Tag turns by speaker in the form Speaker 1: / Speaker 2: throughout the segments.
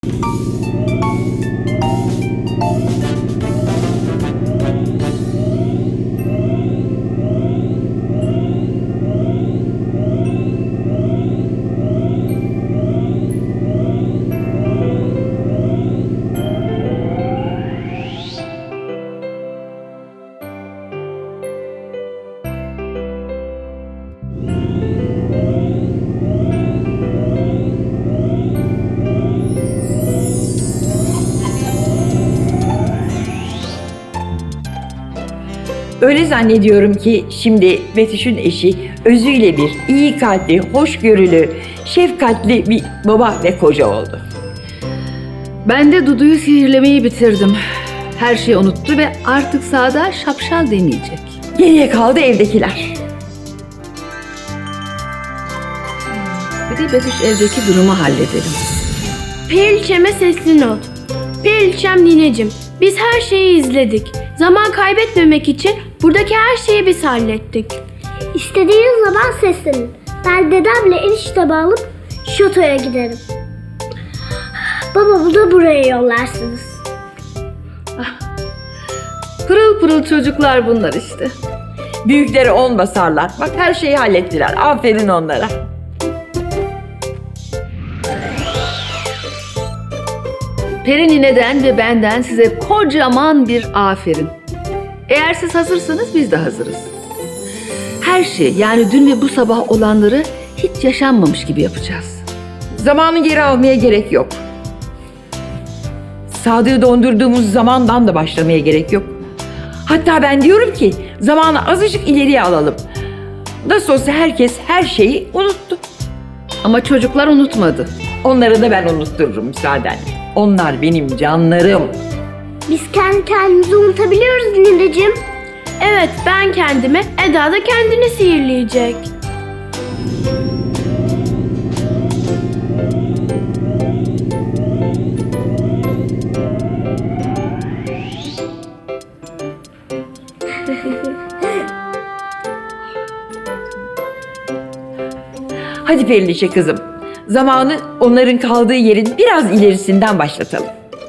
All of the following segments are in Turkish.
Speaker 1: Öyle zannediyorum ki şimdi Betüş'ün eşi özüyle bir iyi kalpli, hoşgörülü, şefkatli bir baba ve koca oldu.
Speaker 2: Ben de Dudu'yu sihirlemeyi bitirdim. Her şeyi unuttu ve artık sağda şapşal demeyecek.
Speaker 1: Geriye kaldı evdekiler.
Speaker 2: Bir de Betüş evdeki durumu halledelim.
Speaker 3: Periliçem'e sesli not. Periliçem nineciğim, biz her şeyi izledik. Zaman kaybetmemek için buradaki her şeyi biz hallettik.
Speaker 4: İstediğiniz zaman seslenin. Ben dedemle eniştemi alıp şatoya giderim. Babamı da buraya yollarsınız.
Speaker 2: Pırıl pırıl çocuklar bunlar işte.
Speaker 1: Büyükleri 10 basarlar. Bak her şeyi hallettiler. Aferin onlara.
Speaker 2: Peri nineden ve benden size kocaman bir aferin. Eğer siz hazırsanız biz de hazırız. Her şey, yani dün ve bu sabah olanları hiç yaşanmamış gibi yapacağız.
Speaker 1: Zamanı geri almaya gerek yok. Sadığı dondurduğumuz zamandan da başlamaya gerek yok. Hatta ben diyorum ki zamanı azıcık ileriye alalım. Nasıl olsa herkes her şeyi unuttu.
Speaker 2: Ama çocuklar unutmadı.
Speaker 1: Onları da ben unuttururum müsaadenle. Onlar benim canlarım.
Speaker 4: Biz kendi kendimizi unutabiliyoruz nineciğim.
Speaker 3: Evet, ben kendimi, Eda da kendini sihirleyecek.
Speaker 1: Hadi Periliçe kızım. Zamanı onların kaldığı yerin biraz ilerisinden başlatalım.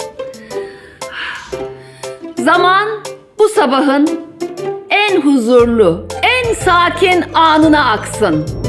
Speaker 2: Zaman bu sabahın en huzurlu, en sakin anına aksın.